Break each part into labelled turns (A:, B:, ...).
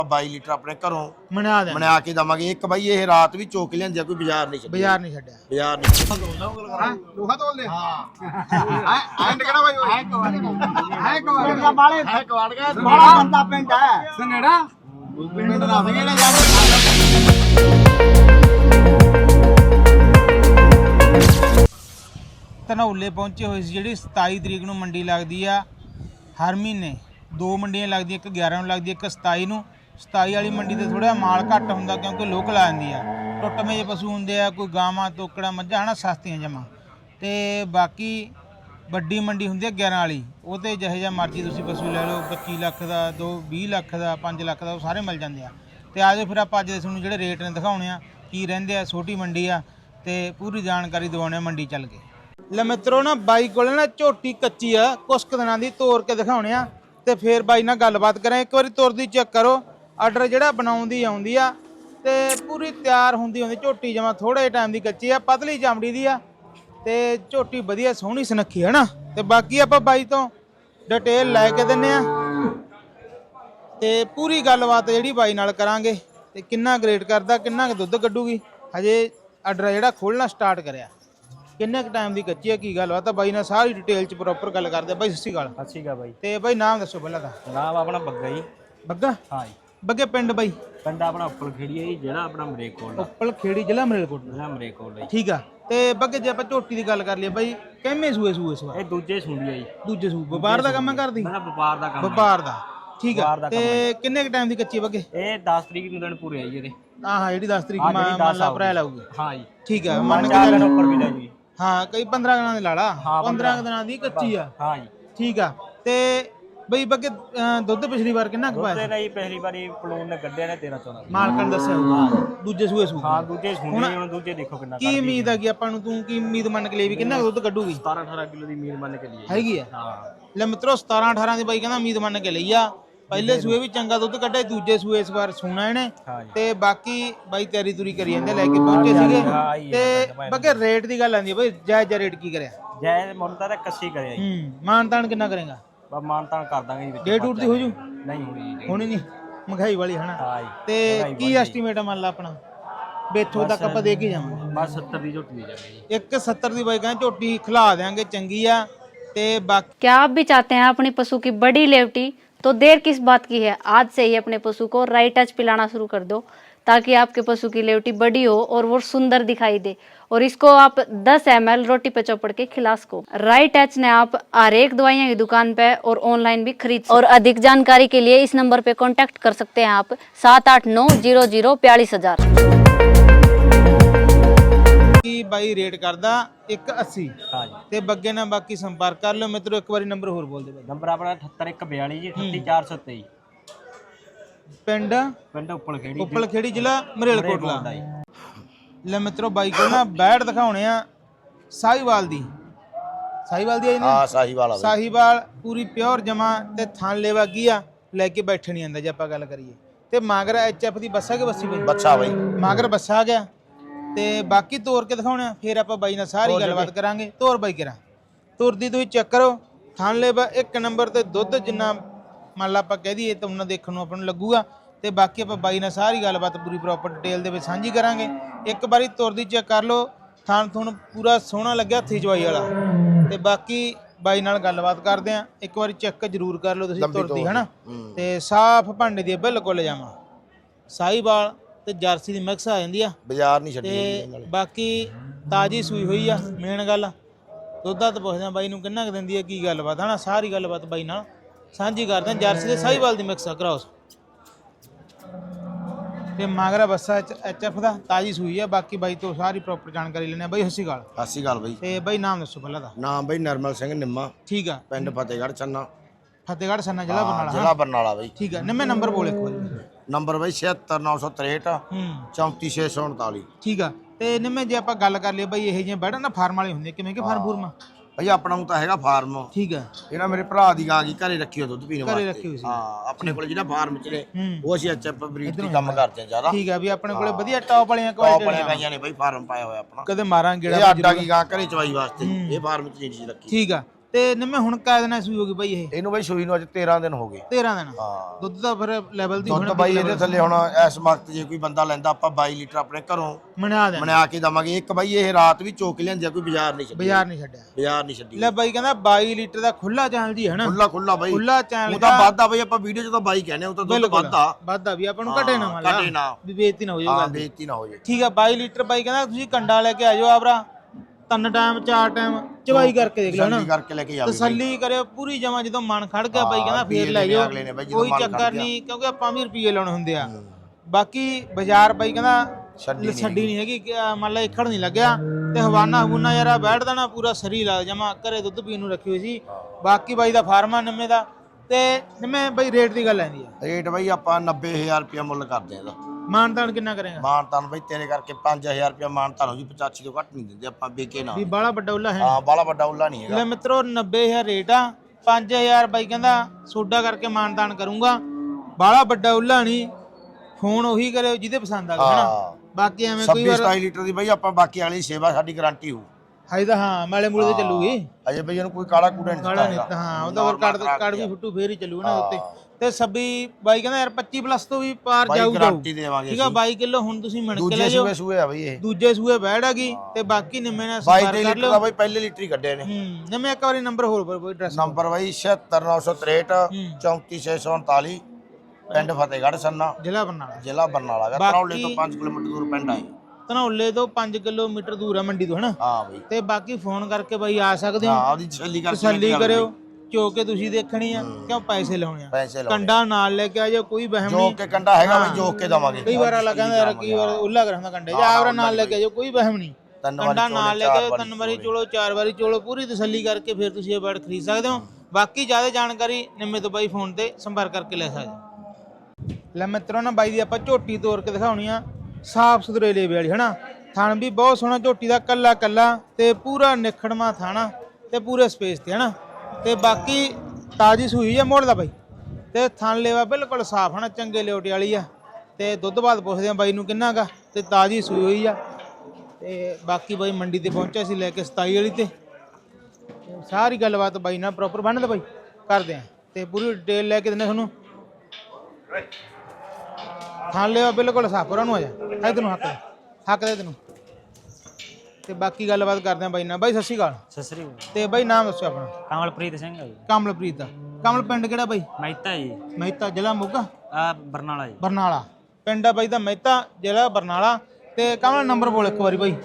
A: 22 litre ਆਪਣੇ ਘਰੋਂ
B: ਮਨਾ
A: ਕੇ ਦਵਾਂਗੇ। ਇੱਕ ਬਾਈ ਇਹ ਰਾਤ ਵੀ ਚੋਕ ਲਿਆਂਦੀ ਕੋਈ ਬਾਜ਼ਾਰ ਨਹੀਂ ਛੱਡਿਆ।
B: ਬਾਜ਼ਾਰ ਨਹੀਂ ਛੱਡਿਆ।
A: ਬਾਜ਼ਾਰ ਨਹੀਂ
C: ਲੋਹਾ ਤੋਲ ਦੇ ਹਾਂ ਐਂਡ ਕਿਹੜਾ ਬਾਈ ਓਏ ਹੈ ਕਵਾੜ ਬਾਲੇ ਹੈ ਕਵਾੜ ਗਿਆ ਬੜਾ ਬੰਦਾ ਪਿੰਡ ਹੈ ਸਨੇੜਾ ਪਿੰਡ ਦਾ ਕਿਹੜਾ ਜਾ
B: ਧਨੌਲੇ ਪਹੁੰਚੇ ਹੋਏ ਸੀ। ਜਿਹੜੀ 27 ਤਰੀਕ ਨੂੰ ਮੰਡੀ ਲੱਗਦੀ ਆ ਹਰ ਮਹੀਨੇ। 2 ਮੰਡੀਆਂ ਲੱਗਦੀਆਂ, ਇੱਕ 11 ਨੂੰ ਲੱਗਦੀ, ਇੱਕ 27 ਨੂੰ। 27 ਵਾਲੀ ਮੰਡੀ ਤੇ ਥੋੜਾ ਮਾਲ ਘੱਟ ਹੁੰਦਾ ਕਿਉਂਕਿ ਲੋਕਲ ਆ ਜਾਂਦੀ ਆ। ਟੁੱਟਵੇਂ ਜਿਹੇ ਪਸ਼ੂ ਹੁੰਦੇ ਆ, ਕੋਈ ਗਾਵਾਂ ਤੋਕੜਾ ਮੱਝਾਂ ਹਨਾ ਸਸਤੀਆਂ ਜਮਾਂ। ਤੇ ਬਾਕੀ ਵੱਡੀ ਮੰਡੀ ਹੁੰਦੀ ਆ 11 ਵਾਲੀ, ਉਹ ਤੇ ਜਿਹੋ ਜਿਹਾ ਮਰਜ਼ੀ ਤੁਸੀਂ ਪਸ਼ੂ ਲੈ ਲਓ। 25 ਲੱਖ ਦਾ, 20 ਲੱਖ ਦਾ, 5 ਲੱਖ ਦਾ, ਉਹ ਸਾਰੇ ਮਿਲ ਜਾਂਦੇ ਆ। ਤੇ ਆ ਜਾਓ ਫਿਰ ਆਪਾਂ ਅੱਜ ਤੁਹਾਨੂੰ ਜਿਹੜੇ ਰੇਟ ਨੇ ਦਿਖਾਉਣੇ ਆ ਕੀ ਰਹਿੰਦੇ ਆ। ਛੋਟੀ ਮੰਡੀ ਆ ਤੇ ਪੂਰੀ ਜਾਣਕਾਰੀ ਦਿਵਾਉਣੇ ਆ ਮੰਡੀ ਚੱਲ ਕੇ। ਲੈ ਮਿੱਤਰੋ ਨਾ ਬਾਈ ਕੋਲੇ ਨਾ ਝੋਟੀ ਕੱਚੀ ਆ, ਕੁਛ ਕੁ ਦਿਨਾਂ ਦੀ ਤੋੜ ਕੇ ਦਿਖਾਉਣੇ ਆ ਤੇ ਫਿਰ ਬਾਈ ਨਾਲ ਗੱਲਬਾਤ ਕਰਾਂ। ਇੱਕ ਵਾਰੀ ਤੁਰਦੀ ਚੈੱਕ ਕਰੋ। ਆਰਡਰ ਜਿਹੜਾ ਬਣਾਉਂਦੀ ਆਉਂਦੀ ਆ ਤੇ ਪੂਰੀ ਤਿਆਰ ਹੁੰਦੀ ਝੋਟੀ ਜਮਾ। ਥੋੜੇ ਟਾਈਮ ਦੀ ਕੱਚੀ ਆ, ਪਤਲੀ ਚਮੜੀ ਦੀ ਆ ਤੇ ਝੋਟੀ ਵਧੀਆ ਸੋਹਣੀ ਸੁਨੱਖੀ ਹੈ ਨਾ। ਤੇ ਬਾਕੀ ਆਪਾਂ ਬਾਈ ਤੋਂ ਡਿਟੇਲ ਲੈ ਕੇ ਦਿੰਨੇ ਆ ਤੇ ਪੂਰੀ ਗੱਲਬਾਤ ਜਿਹੜੀ ਬਾਈ ਨਾਲ ਕਰਾਂਗੇ। ਤੇ ਕਿੰਨਾ ਗ੍ਰੇਡ ਕਰਦਾ, ਕਿੰਨਾ ਕੁ ਦੁੱਧ ਕੱਢੂਗੀ। ਹਜੇ ਆਰਡਰ ਜਿਹੜਾ ਖੋਲਣਾ ਸਟਾਰਟ ਕਰਿਆ। ਕਿੰਨੇ ਕੁ ਟਾਈਮ ਦੀ ਕੱਚੀ ਆ, ਕੀ ਗੱਲਬਾਤ ਆ, ਬਾਈ ਨਾਲ ਸਾਰੀ ਡਿਟੇਲ ਚ ਪ੍ਰੋਪਰ ਗੱਲ ਕਰਦੇ। ਬਾਈ ਸਤਿ ਸ਼੍ਰੀ ਅਕਾਲ।
D: ਸਤਿ ਸ਼੍ਰੀ ਅਕਾਲ ਬਾਈ।
B: ਤੇ ਬਾਈ ਨਾਮ ਦੱਸੋ ਪਹਿਲਾਂ ਤਾਂ।
D: ਨਾਮ ਆਪਣਾ ਬੱਗਾ ਜੀ।
B: ਬੱਗਾ?
D: ਹਾਂ ਜੀ।
B: ਬੱਗੇ ਪਿੰਡ ਬਾਈ?
D: ਪਿੰਡ ਆਪਣਾ ਉੱਪਲ ਖੇੜੀ ਹੈ ਜੀ, ਜਿਹੜਾ ਆਪਣਾ ਮਰੇਕੋਟ ਦਾ।
B: ਉੱਪਲ ਖੇੜੀ, ਜ਼ਿਲ੍ਹਾ ਮਰੇਕੋਟ।
D: ਜ਼ਿਲ੍ਹਾ ਮਰੇਕੋਟ ਦਾ।
B: ਠੀਕ ਆ। ਤੇ ਬੱਗੇ ਜੇ ਆਪਾਂ ਝੋਟੀ ਦੀ ਗੱਲ ਕਰ ਲਈਏ ਬਾਈ, ਕਿੰਨੇ ਸੂਏ ਇਸ ਵਾਰ?
D: ਇਹ ਦੂਜੇ ਸੂੰਦੀ ਹੈ ਜੀ।
B: ਦੂਜੇ ਸੂ। ਵਪਾਰ ਦਾ ਕੰਮ ਹੈ ਕਰਦੀ?
D: ਮੈਂ ਵਪਾਰ ਦਾ ਕੰਮ।
B: ਵਪਾਰ ਦਾ। ਠੀਕ ਆ। ਤੇ ਕਿੰਨੇ ਕ ਟਾਈਮ ਦੀ ਕੱਚੀ ਬੱਗੇ?
D: ਇਹ 10 ਤਰੀਕ ਨੂੰ ਦਿਨ ਪੂਰੇ ਆਈ ਇਹਦੇ।
B: ਹਾਂ ਜਿਹੜੀ 10 ਤਰੀਕ ਮੰਨ ਲਾ ਅਪ੍ਰੈਲ ਆਊਗੀ।
D: ਹਾਂ ਜੀ।
B: ਠੀਕ ਆ। ਮੰਨ ਕੇ
D: 4 ਦਿਨ ਉੱਪਰ ਵੀ ਲੈ ਜੀ।
B: ਹਾਂ ਕਈ 15 ਦਿਨਾਂ ਦੀ ਲਾ ਲਾ। 15 ਦਿਨਾਂ ਦੀ ਕੱਚੀ ਆ।
D: ਹਾਂ ਜੀ।
B: ਠੀਕ ਆ। ਤੇ ਬਈ ਬੱਗੇ ਦੁੱਧ ਪਿਛਲੀ ਵਾਰ ਕਿੰਨਾ ਕੁ ਪਾਇਆ?
D: ਦੁੱਧ ਨਹੀਂ ਪਿਛਲੀ ਵਾਰੀ ਪਲੂਨ ਨੇ ਕੱਢਿਆ ਨੇ 13-14।
B: ਮਾਲਕਾਂ ਨੇ ਦੱਸਿਆ ਹੋਊਗਾ। ਦੂਜੇ ਸੂਏ ਸੂ।
D: ਹਾਂ ਦੂਜੇ ਸੂੰਦੀ। ਹੁਣ ਦੂਜੇ ਦੇਖੋ ਕਿੰਨਾ
B: ਕੀ ਉਮੀਦ ਹੈਗੀ ਆਪਾਂ ਨੂੰ? ਤੂੰ ਕੀ ਉਮੀਦ ਮੰਨ ਕੇ ਲਈ ਵੀ ਕਿੰਨਾ ਦੁੱਧ ਕੱਢੂਗੀ?
D: 17-18 ਕਿਲੋ ਦੀ ਉਮੀਦ ਮੰਨ ਕੇ ਲਈ
B: ਹੈਗੀ ਆ।
D: ਹਾਂ
B: ਲੈ ਮਿੱਤਰੋ 17-18 ਦੀ ਬਾਈ ਕਹਿੰਦਾ ਉਮੀਦ ਮੰਨ ਕੇ ਲਈ ਆ। ਪਹਿਲੇ ਸੂਏ ਵੀ ਚੰਗਾ ਦੁੱਧ ਕੱਢਿਆ, ਦੂਜੇ ਸੂਏ ਇਸ ਵਾਰ ਸੂਣਾ ਇਹਨੇ। ਤੇ ਬਾਕੀ ਬਾਈ ਤਿਆਰੀ ਤੁਰੀ ਕਰੀ ਜਾਂਦੇ, ਲੈ ਕੇ ਪਹੁੰਚੇ ਸੀਗੇ। ਤੇ ਬੱਗੇ ਰੇਟ ਦੀ ਗੱਲ ਆਂਦੀ ਬਾਈ, ਜਾਇਜ਼ ਰੇਟ ਕੀ ਕਰਿਆ?
D: ਜਾਇਜ਼ ਮੁੱਲ ਤਾਂ 81 ਕਰਿਆ ਜੀ।
B: ਮਾਨਤਾਨ ਕਿੰਨਾ ਕਰੇਗਾ?
D: ਬਸ ਮਾਨਤਾਨ ਕਰ ਦਾਂਗੇ ਜੀ।
B: ਡੇਟ ਉੜ ਦੀ ਹੋ ਜੂ?
D: ਨਹੀਂ ਹੋਣੀ
B: ਹੋਣੀ ਨਹੀਂ, ਮਹਿੰਗਾਈ ਵਾਲੀ ਹਨਾ।
D: ਹਾਂ ਜੀ।
B: ਤੇ ਕੀ ਐਸਟੀਮੇਟ ਆ ਮੰਨ ਲਾ ਆਪਣਾ ਬੇਥੋਂ ਤੱਕ ਆਪਾਂ ਦੇ ਕੇ ਜਾਵਾਂਗੇ?
D: ਬਸ 70 ਦੀ ਝੋਟੀ ਦੇ ਜਾਵਾਂਗੇ ਜੀ।
B: 170 ਦੀ ਬਾਈ ਕਹਿੰਦਾ ਝੋਟੀ ਖਿਲਾ ਦੇਾਂਗੇ, ਚੰਗੀ ਆ। ਤੇ ਬਾਕੀ
E: क्या आप भी चाहते हैं अपने पशु की बड़ी लेवटी? तो देर किस बात की है, आज से ही अपने पशु को राइट टच पिलाना शुरू कर दो ताकि आपके पशु की लेवटी बड़ी हो और वो सुंदर दिखाई दे। और इसको आप 10 ml रोटी पे चौपड़ के खिला सको। राइट टच ने आप हर एक दवाइयाँ की दुकान पे और ऑनलाइन भी खरीद सकते। और अधिक जानकारी के लिए इस नंबर पे कांटेक्ट कर सकते हैं आप 7890042000।
B: ਕੀ ਬਾਈ ਰੇਟ ਕਰਦਾ 180।
D: ਹਾਂ ਜੀ।
B: ਤੇ ਬੱਗੇ ਨਾਲ ਬਾਕੀ ਸੰਪਰਕ ਕਰ ਲਿਓ ਮਿੱਤਰੋ। ਇੱਕ ਵਾਰੀ ਨੰਬਰ ਹੋਰ ਬੋਲ ਦੇ ਬਾਈ।
D: ਨੰਬਰ ਆਪਣਾ 78142 ਜੀ 38423।
B: ਪਿੰਡ
D: ਉੱਪਲ ਖੇੜੀ।
B: ਉੱਪਲ ਖੇੜੀ, ਜ਼ਿਲ੍ਹਾ ਮਰੇਲਕੋਟਲਾ। ਲੈ ਮਿੱਤਰੋ ਬਾਈ ਕੋਲ ਨਾ ਬੈੜ ਦਿਖਾਉਣੇ ਆ ਸਾਹੀਵਾਲ ਦੀ। ਸਾਹੀਵਾਲ ਦੀ ਆਈ ਨੇ?
A: ਹਾਂ ਸਾਹੀਵਾਲ ਆ।
B: ਸਾਹੀਵਾਲ ਪੂਰੀ ਪਿਓਰ ਜਮਾ ਤੇ ਥਣ ਲੈਵਾ ਕੀ ਆ, ਲੈ ਕੇ ਬੈਠੇ ਨਹੀਂ ਆਂਦਾ ਜੇ ਆਪਾਂ ਗੱਲ ਕਰੀਏ। ਤੇ ਮਾਗਰ ਐਚਐਫ ਦੀ ਬੱਸਾ ਕੇ ਬੱਸੀ ਬਈ?
A: ਬੱਚਾ ਬਾਈ
B: ਮਾਗਰ ਬੱਸਾ ਆ ਗਿਆ। ਤੇ ਬਾਕੀ ਤੋਰ ਕੇ ਦਿਖਾਉਣਾ, ਫਿਰ ਆਪਾਂ ਬਾਈ ਨਾਲ ਸਾਰੀ ਗੱਲਬਾਤ ਕਰਾਂਗੇ। ਤੋਰ ਬਾਈ ਕਰਾਂ ਤੁਰਦੀ ਤੁਸੀਂ ਚੈੱਕ ਕਰੋ। ਥਣ ਲੈਵਾ 1 ਨੰਬਰ ਤੇ ਦੁੱਧ ਜਿੰਨਾ ਮੰਨ ਲਾ ਆਪਾਂ ਕਹਿ ਦਈਏ ਤਾਂ ਉਹਨਾਂ ਦੇਖਣ ਨੂੰ ਆਪਾਂ ਨੂੰ ਲੱਗੂਗਾ। ਤੇ ਬਾਕੀ ਆਪਾਂ ਬਾਈ ਨਾਲ ਸਾਰੀ ਗੱਲਬਾਤ ਪੂਰੀ ਪ੍ਰੋਪਰ ਡਿਟੇਲ ਦੇ ਵਿੱਚ ਸਾਂਝੀ ਕਰਾਂਗੇ। ਇੱਕ ਵਾਰੀ ਤੁਰਦੀ ਚੈੱਕ ਕਰ ਲਓ। ਥਣ ਥੁਣ ਪੂਰਾ ਸੋਹਣਾ ਲੱਗਿਆ, ਹੱਥੀ ਜਵਾਈ ਵਾਲਾ। ਤੇ ਬਾਕੀ ਬਾਈ ਨਾਲ ਗੱਲਬਾਤ ਕਰਦੇ ਆ। ਇੱਕ ਵਾਰੀ ਚੈੱਕ ਜ਼ਰੂਰ ਕਰ ਲਓ ਤੁਸੀਂ ਤੁਰਦੀ ਹਨਾ। ਤੇ ਸਾਫ਼ ਭਾਂਡੇ ਦੀ ਬਿਲਕੁਲ ਜਾਵਾਂ। ਸਾਹੀਵਾਲ ਤੇ ਜਰਸੀ ਦੀ ਮਿਕਸ ਆ ਜਾਂਦੀ ਆ,
A: ਬਾਜ਼ਾਰ ਨਹੀਂ ਛੱਡੀ।
B: ਤੇ ਬਾਕੀ ਤਾਜ਼ੀ ਸੂਈ ਹੋਈ ਆ। ਮੇਨ ਗੱਲ ਦੁੱਧਾ ਤਾਂ ਪੁੱਛਦੇ ਆ ਬਾਈ ਨੂੰ ਕਿੰਨਾ ਕੁ ਦਿੰਦੀ ਆ, ਕੀ ਗੱਲਬਾਤ ਹਨਾ। ਸਾਰੀ ਗੱਲਬਾਤ ਬਾਈ ਨਾਲ ਸਾਂਝੀ ਕਰਦੇ ਆ। ਜਰਸੀ ਤੇ ਸਾਹੀਵਾਲ ਦੀ ਮਿਕਸ ਆ ਕਰਾਉਸ। ਤੇ ਮਾਗਰਾ ਬੱਸਾ ਐਚਐਫ ਦਾ ਤਾਜ਼ੀ ਸੂਈ ਆ। ਬਾਕੀ ਬਾਈ ਤੋਂ ਸਾਰੀ ਪ੍ਰੋਪਰ ਜਾਣਕਾਰੀ ਲੈਣੇ ਆ। ਬਾਈ ਸਤਿ ਸ਼੍ਰੀ ਅਕਾਲ।
A: ਸਤਿ ਸ਼੍ਰੀ ਅਕਾਲ ਬਾਈ।
B: ਤੇ ਬਾਈ ਨਾਮ ਦੱਸੋ ਪਹਿਲਾਂ ਦਾ।
A: ਨਾਮ ਬਾਈ ਨਰਮਲ ਸਿੰਘ ਨਿੰਮਾ।
B: ਠੀਕ ਆ।
A: ਪਿੰਡ ਫਤਿਹਗੜ੍ਹ ਛੰਨਾ,
B: ਫਤਿਹਗੜ੍ਹ ਛੰਨਾ, ਜ਼ਿਲ੍ਹਾ ਬਰਨਾਲਾ।
A: ਜ਼ਿਲ੍ਹਾ ਬਰਨਾਲਾ ਬਾਈ।
B: ਠੀਕ ਆ। ਨਿੰਮੇ ਨੰਬਰ ਬੋਲ ਇੱਕ ਵਾਰੀ।
A: ਨੰਬਰ ਬਾਈ 76963 34649।
B: ਠੀਕ ਆ। ਤੇ ਨਿੰਮੇ ਜੇ ਆਪਾਂ ਗੱਲ ਕਰ ਲਈਏ ਬਾਈ, ਇਹ ਜਿਹੇ ਬੈਠਾ ਨਾ ਫਾਰਮ ਵਾਲੇ ਹੁੰਦੇ, ਕਿਵੇਂ ਕਿ ਫਾਰਮ ਫੂਰਮ?
A: ਭਾਈ ਆਪਣਾ ਨੂੰ ਤਾਂ ਹੈਗਾ ਫਾਰਮ।
B: ਠੀਕ ਆ।
A: ਇਹਨਾਂ ਮੇਰੇ ਭਰਾ ਦੀ ਗਾਂ ਕੀ ਘਰੇ ਰੱਖੀ ਹੋ ਦੁੱਧ ਪੀਣ ਵਾਸਤੇ।
B: ਘਰੇ ਰੱਖੀ ਹੋਈ ਸੀ।
A: ਹਾਂ ਆਪਣੇ ਕੋਲ ਜਿਹੜਾ ਫਾਰਮ ਚ ਨੇ ਉਹ ਅਸੀਂ ਐਚਐਫ ਬਰੀਡ ਦੀ ਕੰਮ ਕਰਦੇ ਆ ਜ਼ਿਆਦਾ।
B: ਠੀਕ ਆ। ਵੀ ਆਪਣੇ ਕੋਲੇ ਵਧੀਆ ਟੌਪ ਵਾਲੀਆਂ
A: ਟੌਪ ਵਾਲੀਆਂ ਗਾਈਆਂ ਨੇ ਬਾਈ, ਫਾਰਮ ਪਾਇਆ ਹੋਇਆ ਆਪਣਾ।
B: ਕਦੇ ਮਾਰਾਂਗੇ
A: ਇਹ ਆਡਾ ਕੀ ਗਾਂ ਘਰੇ ਚਵਾਈ ਵਾਸਤੇ, ਇਹ ਫਾਰਮ ਚ ਨਹੀਂ ਰੱਖੀ।
B: ਠੀਕ ਆ। ਤੇ ਨਿੰਮੇ ਹੁਣ ਕਾਇ ਦਿਨਾਂ ਸੂਈ ਹੋਗੀ ਬਾਈ ਇਹ?
A: ਇਹਨੂੰ ਬਾਈ ਸੂਈ ਨੂੰ ਅੱਜ 13 ਦਿਨ ਹੋ ਗਏ।
B: 13 ਦਿਨ।
A: ਹਾਂ
B: ਦੁੱਧ ਦਾ ਫਿਰ ਲੈਵਲ ਦੀ
A: ਦੁੱਧ ਬਾਈ ਇਹਦੇ ਥੱਲੇ ਹੁਣ ਇਸ ਵਕਤ ਜੇ ਕੋਈ ਬੰਦਾ ਲੈਂਦਾ ਆਪਾਂ 22 ਲੀਟਰ ਆਪਣੇ ਘਰੋਂ
B: ਮਣਾ
A: ਕੇ ਦਵਾਂਗੇ। ਇੱਕ ਬਾਈ ਇਹ ਰਾਤ ਵੀ ਚੋਕ ਲਿਆਂਦੀ, ਕੋਈ ਬਾਜ਼ਾਰ ਨਹੀਂ ਛੱਡੀ।
B: ਬਾਜ਼ਾਰ ਨਹੀਂ ਛੱਡਿਆ।
A: ਬਾਜ਼ਾਰ ਨਹੀਂ ਛੱਡੀ।
B: ਲੈ ਬਾਈ ਕਹਿੰਦਾ 22 ਲੀਟਰ ਦਾ ਖੁੱਲਾ ਚੈਨਲ ਜੀ ਹੈ ਨਾ?
A: ਖੁੱਲਾ ਬਾਈ,
B: ਖੁੱਲਾ ਚੈਨਲ
A: ਉਹ ਤਾਂ ਵੱਧਦਾ ਬਾਈ, ਆਪਾਂ ਵੀਡੀਓ 'ਚ ਤਾਂ ਬਾਈ ਕਹਿੰਦੇ ਉਹ ਤਾਂ ਦੁੱਧ ਵੱਧਦਾ
B: ਵੀ ਆਪਾਂ ਨੂੰ ਘਟੇ ਨਾ ਮੰਨ ਲਾ,
A: ਘਟੇ ਨਾ,
B: ਵੀ ਬੇਇੱਜ਼ਤੀ ਨਾ ਹੋ ਜਾਊਗਾ।
A: ਹਾਂ ਬੇਇੱਜ਼ਤੀ ਨਾ ਹੋ ਜਾਏ।
B: ਠੀਕ ਆ 22 ਲੀਟਰ ਬਾਈ ਕਹਿੰਦਾ ਤੁਸੀਂ ਕੰਡਾ ਲੈ ਕੇ ਆ ਜਾਓ ਆਪਰਾ, 3 ਟਾਈਮ 4 ਟਾਈਮ ਚਵਾਈ ਕਰਕੇ ਦੇਖ ਲਓ ਨਾ,
A: ਕਰਕੇ ਲੈ ਕੇ ਜਾਵੇ,
B: ਤਸੱਲੀ ਕਰਿਓ ਪੂਰੀ ਜਮਾ। ਜਦੋਂ ਮਨ ਖੜ ਗਿਆ ਬਾਈ ਕਹਿੰਦਾ ਫੇਰ ਲੈ ਜਾਓ, ਕੋਈ ਚੱਕਰ ਨਹੀਂ, ਕਿਉਂਕਿ ਆਪਾਂ ਵੀ ਰੁਪਏ ਲਾਉਣੇ ਹੁੰਦੇ ਆ। ਬਾਕੀ ਬਾਜ਼ਾਰ ਬਾਈ ਕਹਿੰਦਾ ਛੱਡੀ ਨਹੀਂ ਹੈਗੀ, ਮੰਨ ਲਾ ਇਖੜ ਨਹੀਂ ਲੱਗਿਆ ਤੇ ਹਵਾਨਾ ਹਵੂਨਾ ਯਾਰਾ ਬੈਠ ਦੇਣਾ ਪੂਰਾ ਸਰੀ ਲਾ ਜਮਾ, ਘਰੇ ਦੁੱਧ ਪੀਣ ਨੂੰ ਰੱਖੀ ਹੋਈ ਸੀ। ਬਾਕੀ ਬਾਈ ਦਾ ਫਾਰਮਾ ਨਿੰਮੇ ਦਾ। ਤੇ ਨਿੰਮੇ ਬਾਈ ਰੇਟ ਦੀ ਗੱਲ ਆਂਦੀ ਆ,
A: ਰੇਟ ਬਾਈ ਆਪਾਂ 90000 ਰੁਪਇਆ ਮੁੱਲ ਕਰਦੇ ਆ ਇਹਦਾ।
B: ਮਾਨਤਾਨ ਕਿੰਨਾ ਕਰੇਗਾ?
A: ਮਾਨਤਾਨ ਬਾਈ ਤੇਰੇ ਕਰਕੇ 5000 ਰੁਪਇਆ ਮਾਨਤਾਨ ਹੋ ਜੀ, 85 ਤੋਂ ਘੱਟ ਨਹੀਂ ਦਿੰਦੇ ਆਪਾਂ, ਬੇਕੇ ਨਾ
B: ਵੀ ਬਾਲਾ ਵੱਡਾ ਉੱਲਾ ਹੈ?
A: ਹਾਂ ਬਾਲਾ ਵੱਡਾ ਉੱਲਾ ਨਹੀਂ ਹੈਗਾ।
B: ਲੈ ਮਿੱਤਰੋ 90000 ਰੇਟ ਆ, 5000 ਬਾਈ ਕਹਿੰਦਾ ਸੋਡਾ ਕਰਕੇ ਮਾਨਤਾਨ ਕਰੂੰਗਾ, ਬਾਲਾ ਵੱਡਾ ਉੱਲਾ ਨਹੀਂ। ਫੋਨ ਉਹੀ ਕਰਿਓ ਜਿਹਦੇ ਪਸੰਦ ਆ ਗਿਆ ਹਨਾ। ਬਾਕੀ ਐਵੇਂ ਕੋਈ ਵਾਰ
A: 27 ਲੀਟਰ ਦੀ ਬਾਈ ਆਪਾਂ ਬਾਕੀ ਵਾਲੀ ਸੇਵਾ ਸਾਡੀ ਗਾਰੰਟੀ ਹੋ
B: ਹਾਈ ਤਾਂ ਹਾਂ ਮਾਲੇ ਮੂਲੇ ਤੇ ਚੱਲੂਗੀ
A: ਅਜੇ ਬਈ ਇਹਨੂੰ ਕੋਈ ਕਾਲਾ ਕੂੜਾ ਨਹੀਂ
B: ਕਾਲਾ ਨਹੀਂ ਤਾਂ ਹਾਂ ਉਹਦਾ ਹੋਰ ਕੱਢ ਵੀ ਫੁੱਟੂ ਫੇਰ ਹੀ ਚੱਲੂ ਨਾ ਉੱਤੇ। ਤੇ 26 ਬਾਈ ਕਹਿੰਦਾ ਯਾਰ 25 ਪਲੱਸ ਤੋਂ ਵੀ ਪਾਰ ਜਾਊ
A: ਗਾਰੰਟੀ ਦੇਵਾਂਗੇ।
B: ਠੀਕ ਆ 22 ਕਿਲੋ ਹੁਣ ਤੁਸੀਂ ਮਿਣ ਕੇ ਲੈ ਜਾਓ।
A: ਦੂਜੇ ਸੂਏ ਆ ਬਈ ਇਹ,
B: ਦੂਜੇ ਸੂਏ ਬੈੜ ਹੈਗੀ ਤੇ ਬਾਕੀ ਨਿੰਮੇ ਨਾਲ
A: 22 ਲੀਟਰ ਦਾ ਬਾਈ ਪਹਿਲੇ ਲੀਟਰ ਹੀ ਕੱਢੇ ਨੇ।
B: ਨਿੰਮੇ ਇੱਕ ਵਾਰੀ ਨੰਬਰ ਹੋਰ ਬਈ ਐਡਰੈਸ
A: ਨੰਬਰ ਬਾਈ 76963 34649 ਪਿੰਡ ਫਤਿਹਗੜ੍ਹ ਸੰਨਾ,
B: ਜ਼ਿਲ੍ਹਾ ਬਰਨਾਲਾ।
A: ਜ਼ਿਲ੍ਹਾ ਬਰਨਾਲਾ ਦਾ। ਧਨੌਲੇ ਤੋਂ 5 ਕਿਲੋਮੀਟਰ ਦੂਰ ਪਿੰਡ ਆਏ।
B: ਧਨੌਲੇ ਤੋਂ 5 ਕਿਲੋਮੀਟਰ ਦੂਰ ਆ ਮੰਡੀ ਤੋਂ ਹਨਾ।
A: ਹਾਂ ਬਈ
B: ਤੇ ਬਾਕੀ ਫੋਨ ਕਰਕੇ ਬਾਈ ਆ ਸਕਦੇ ਹੋ,
A: ਹਾਂ ਉਹਦੀ
B: ਤਸੱਲੀ ਕਰਿਓ। ਚੋ ਕੇ ਤੁਸੀਂ ਦੇਖਣੀ ਆ, ਕਿਉਂ ਪੈਸੇ ਲਾਉਣੇ ਆ। ਕੰਡਾ ਨਾਲ ਲੈ ਕੇ ਆ ਜਾਓ, ਕੋਈ ਵਹਿਮ ਨਹੀਂ।
A: ਜੋ ਕੇ ਕੰਡਾ ਹੈਗਾ ਬਈ ਜੋ ਕੇ ਦਵਾਂਗੇ।
B: ਕਈ ਵਾਰ ਅਲਾ ਕਹਿੰਦਾ ਯਾਰ ਕਈ ਵਾਰ ਉੱਲਾ ਕਰਾਂਦਾ ਕੰਡੇ ਜਾਂ ਆਵਰਾ ਨਾਲ ਲੈ ਕੇ ਆ ਜਾਓ, ਕੋਈ ਵਹਿਮ ਨਹੀਂ। ਕੰਡਾ ਨਾਲ ਲੈ ਕੇ 3 ਵਾਰੀ ਚੋਲੋ 4 ਵਾਰੀ ਚੋਲੋ, ਪੂਰੀ ਤਸੱਲੀ ਕਰਕੇ ਫਿਰ ਤੁਸੀਂ ਇਹ ਬੈਡ ਖਰੀਦ ਸਕਦੇ ਹੋ। ਬਾਕੀ ਜ਼ਿਆਦਾ ਜਾਣਕਾਰੀ ਨਿੰਮੇ ਤੋਂ ਬਾਈ ਫੋਨ ਤੇ ਸੰਪਰਕ ਕਰਕੇ ਲੈ ਸਕਦੇ ਹੋ। ਲੈ ਮਿੱਤਰੋ ਨਾ ਬਾਈ ਦੀ ਆਪਾਂ ਝੋਟੀ ਤੋੜ ਕੇ ਦਿਖਾਉਣੀ ਆ, ਸਾਫ ਸੁਥਰੇ ਲੇਵੇ ਵਾਲੀ ਹਨਾ। ਥਣ ਵੀ ਬਹੁਤ ਸੋਹਣਾ ਝੋਟੀ ਦਾ, ਕੱਲਾ ਕੱਲਾ ਤੇ ਪੂਰਾ ਨਿਖੜਮਾ ਥਾਣਾ ਤੇ ਪੂਰੇ ਸਪੇਸ ਤੇ ਹਨਾ। ਤੇ ਬਾਕੀ ਤਾਜੀ ਸੂਈ ਆ ਮੋੜ ਦਾ ਬਾਈ, ਤੇ ਥਣ ਲੇਵਾ ਬਿਲਕੁਲ ਸਾਫ ਹਨਾ, ਚੰਗੇ ਲਿਓਟੇ ਵਾਲੀ ਆ। ਤੇ ਦੁੱਧ ਬਾਅਦ ਪੁੱਛਦੇ ਆ ਬਾਈ ਨੂੰ ਕਿੰਨਾ ਗਾ, ਤੇ ਤਾਜੀ ਸੂਈ ਹੋਈ ਆ। ਤੇ ਬਾਕੀ ਬਾਈ ਮੰਡੀ ਤੇ ਪਹੁੰਚਿਆ ਸੀ ਲੈ ਕੇ 27 ਵਾਲੀ ਤੇ ਸਾਰੀ ਗੱਲਬਾਤ ਬਾਈ ਨਾਲ ਪ੍ਰੋਪਰ ਬੰਨ੍ਹਦੇ ਬਾਈ ਕਰਦੇ ਆ ਤੇ ਪੂਰੀ ਡਿਟੇਲ ਲੈ ਕੇ ਦਿੰਦੇ ਤੁਹਾਨੂੰ। ਥਣ ਲੇਵਾ ਬਿਲਕੁਲ ਸਾਫ, ਉਹਨਾਂ ਨੂੰ ਆ ਜਾ ਇਧਰ ਨੂੰ ਹੱਕ ਦੇ ਤੈਨੂੰ। ਤੇ ਬਾਕੀ ਗੱਲਬਾਤ ਕਰਦੇ ਆ ਬਾਈ ਨਾਲ। ਬਾਈ ਸਤਿ ਸ਼੍ਰੀ ਅਕਾਲ।
D: ਸਤਿ ਸ੍ਰੀ ਅਕਾਲ।
B: ਤੇ ਬਾਈ ਨਾਮ ਦੱਸੋ ਆਪਣਾ?
D: ਕਮਲਪ੍ਰੀਤ ਸਿੰਘ ਹੈ ਜੀ।
B: ਕਮਲਪ੍ਰੀਤ ਦਾ। ਕਮਲ ਪਿੰਡ ਕਿਹੜਾ ਬਾਈ?
D: ਮਹਿਤਾ ਜੀ।
B: ਮਹਿਤਾ, ਜ਼ਿਲ੍ਹਾ ਮੋਗਾ?
D: ਬਰਨਾਲਾ ਜੀ।
B: ਬਰਨਾਲਾ ਪਿੰਡ ਆ ਬਾਈ ਦਾ ਮਹਿਤਾ, ਜ਼ਿਲ੍ਹਾ ਬਰਨਾਲਾ। ਤੇ ਕਮਲ ਨੰਬਰ ਬੋਲ ਇੱਕ ਵਾਰੀ ਬਾਈ।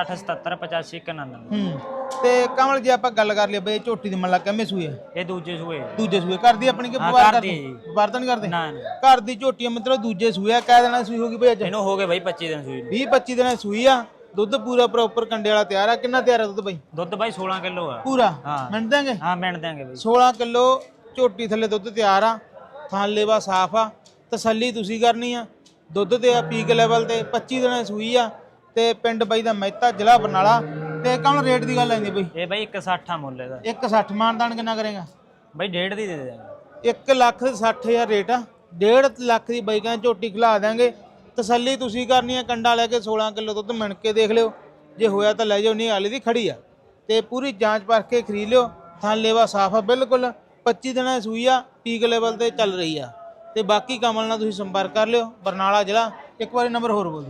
D: 7877855199।
B: ਤੇ ਕਮਲ ਜੇ ਆਪਾਂ ਗੱਲ ਕਰ ਲਈ ਬਾਈ ਝੋਟੀ ਦੀ ਮੱਲਾ ਕਿਵੇਂ ਸੂਏ ਆ?
D: ਇਹ ਦੂਜੇ ਸੂਏ।
B: ਦੂਜੇ ਸੂਏ ਕਰਦੀ ਆਪਣੀ ਕਿ ਵਪਾਰ ਕਰਦੀ? ਵਪਾਰ ਤਾਂ ਨਹੀਂ ਕਰਦੇ। ਘਰ ਦੀ ਝੋਟੀ ਆ ਮਤਲਬ ਦੂਜੇ ਸੂਏ ਆ। ਕਹਿ ਦੇਣਾ ਸੂਈ ਹੋਗੀ ਬਾਈ ਅੱਜ?
D: ਇਹਨੂੰ ਹੋ ਗਏ ਬਾਈ 25 ਦਿਨ ਸੂਈ।
B: 20-25 ਦਿਨਾਂ ਸੂਈ ਆ। ਦੁੱਧ ਪੂਰਾ ਪ੍ਰੋਪਰ ਕੰਡੇ ਵਾਲਾ ਤਿਆਰ ਆ। ਕਿੰਨਾ ਤਿਆਰ ਆ ਦੁੱਧ ਬਾਈ?
D: ਦੁੱਧ ਬਾਈ 16 ਕਿਲੋ ਆ
B: ਪੂਰਾ।
D: ਹਾਂ
B: ਮਿੰਟ ਦਾਂਗੇ?
D: ਹਾਂ ਮਿੰਟ ਦਾਂਗੇ ਬਾਈ।
B: 16 ਕਿਲੋ ਝੋਟੀ ਥੱਲੇ ਦੁੱਧ ਤਿਆਰ ਆ। ਥਣ ਲੇਵਾ ਸਾਫ ਆ। ਤਸੱਲੀ ਤੁਸੀਂ ਕਰਨੀ ਆ। ਦੁੱਧ ਤੇ ਆ ਪੀਕ ਲੈਵਲ ਤੇ 25 ਦਿਨਾਂ ਸੂਈ ਆ। ਤੇ ਪਿੰਡ ਬਾਈ ਦਾ ਮਹਿਤਾ, ਜ਼ਿਲ੍ਹਾ ਬਰਨਾਲਾ। ਤੇ ਕਮਲ ਰੇਟ ਦੀ ਗੱਲ ਆਂਦੀ ਬਾਈ?
D: ਇਹ ਬਾਈ 160 ਆ ਮੁੱਲ ਇਹਦਾ।
B: 160 ਮਾਨਦਾਨ ਕਿੰਨਾ ਕਰੇਗਾ
D: ਬਾਈ? 1.5 ਦੀ ਦੇ ਦੇਵਾਂਗੇ।
B: 1,60,000 ਰੇਟ ਆ। 1.5 ਲੱਖ ਦੀ ਬਾਈ ਕਹਿੰਦਾ ਝੋਟੀ ਖਿਲਾ ਦਾਂਗੇ। ਤਸੱਲੀ ਤੁਸੀਂ ਕਰਨੀ ਆ। ਕੰਡਾ ਲੈ ਕੇ 16 ਕਿਲੋ ਦੁੱਧ ਮਿਣ ਕੇ ਦੇਖ ਲਿਓ, ਜੇ ਹੋਇਆ ਤਾਂ ਲੈ ਜਾਓ, ਨਹੀਂ ਹਾਲੇ ਦੀ ਖੜੀ ਆ। ਤੇ ਪੂਰੀ ਜਾਂਚ ਪਰਖ ਕੇ ਖਰੀਦ ਲਿਓ। ਥਣ ਲੇਵਾ ਸਾਫ ਆ ਬਿਲਕੁਲ। 25 ਦਿਨਾਂ ਸੂਈ ਆ, ਪੀਕ ਲੈਵਲ ਤੇ ਚੱਲ ਰਹੀ ਆ। ਤੇ ਬਾਕੀ ਕਮਲ ਨਾਲ ਤੁਸੀਂ ਸੰਪਰਕ ਕਰ ਲਿਓ, ਬਰਨਾਲਾ ਜ਼ਿਲ੍ਹਾ। ਇੱਕ ਵਾਰੀ ਨੰਬਰ ਹੋਰ ਬੋਲ ਦਿਓ।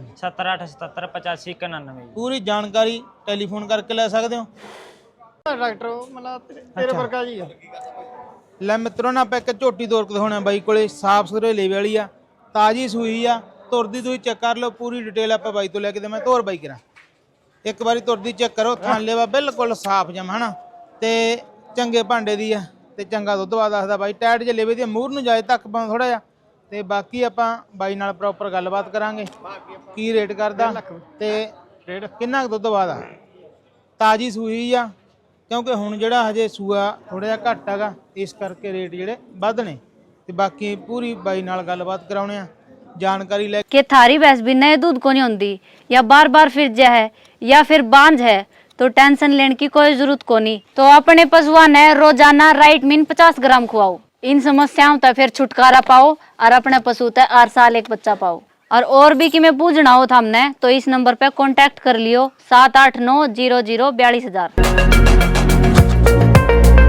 D: 7877855199।
B: ਪੂਰੀ ਜਾਣਕਾਰੀ ਟੈਲੀਫੋਨ ਕਰਕੇ ਲੈ ਸਕਦੇ ਹੋ।
C: ਡਾਕਟਰ ਮਤਲਬ ਤੇਰੇ ਵਰਗਾ ਜੀ ਆ।
B: ਲੈ ਮਿੱਤਰੋ ਨਾ ਆਪਾਂ ਇੱਕ ਝੋਟੀ ਤੋਰ ਕੇ ਦਿਖਾਉਣਾ ਬਾਈ ਕੋਲੇ, ਸਾਫ ਸੁਥਰੇ ਲੇਵੇ ਵਾਲੀ ਆ, ਤਾਜੀ ਸੂਈ ਆ। ਤੁਰਦੀ ਤੁਸੀਂ ਚੈੱਕ ਕਰ ਲਓ, ਪੂਰੀ ਡਿਟੇਲ ਆਪਾਂ ਬਾਈ ਤੋਂ ਲੈ ਕੇ ਤੇ ਮੈਂ ਤੋਰ ਬਾਈ ਕਰਾਂ। ਇੱਕ ਵਾਰੀ ਤੁਰਦੀ ਚੈੱਕ ਕਰੋ। ਥਣ ਲੇਵਾ ਬਿਲਕੁਲ ਸਾਫ ਜਮ ਹਨਾ, ਤੇ ਚੰਗੇ ਭਾਂਡੇ ਦੀ ਆ, ਤੇ ਚੰਗਾ ਦੁੱਧ ਵਾ ਦੱਸਦਾ ਬਾਈ। ਟਾਇਟ ਜੇ ਲੇਵੇ ਦੀ ਮੂਹਰ ਨੂੰ ਜਾਏ ਤੱਕ ਪਾਉਂ ਥੋੜਾ ਜਿਹਾ। ਤੇ ਬਾਕੀ ਆਪਾਂ ਬਾਈ ਨਾਲ ਪ੍ਰੋਪਰ ਗੱਲਬਾਤ ਕਰਾਂਗੇ, ਕੀ ਰੇਟ ਕਰਦਾ ਤੇ ਕਿੰਨਾ ਕੁ ਦੁੱਧ ਬਾਅਦ ਆ। ਤਾਜੀ ਸੂਈ ਆ, ਕਿਉਂਕਿ ਹੁਣ ਜਿਹੜਾ ਹਜੇ ਸੂਆ ਥੋੜਾ ਜਿਹਾ ਘੱਟ ਹੈਗਾ, ਇਸ ਕਰਕੇ ਰੇਟ ਜਿਹੜੇ ਵੱਧ ਨੇ। ਤੇ ਬਾਕੀ ਪੂਰੀ ਬਾਈ ਨਾਲ ਗੱਲਬਾਤ ਕਰਾਉਣੇ ਆ, जानकारी ले
E: कि थारी भैंस भी नए दूध को नहीं होती या बार बार फिर जा है या फिर बांझ है तो टेंशन लेने की कोई जरूरत को नहीं। तो अपने पशुआ ने रोजाना राइट मीन 50 ग्राम खुआओ। इन समस्याओं तक फिर छुटकारा पाओ और अपने पशु तक हर साल एक बच्चा पाओ। और भी कि मैं पूछना हो था हमने तो इस नंबर पे कांटेक्ट कर लियो 78900 42,000।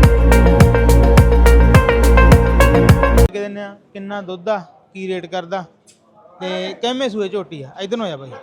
B: ਕੇ ਦਿੰਦੇ ਆ ਕਿੰਨਾ ਦੁੱਧ ਆ, ਕੀ ਰੇਟ ਕਰਦਾ ਤੇ ਕਿੰਨੇ ਸੂਏ ਝੋਟੀ ਆ। ਇਧਰ ਨੂੰ ਆ ਜਾ ਬਾਈ,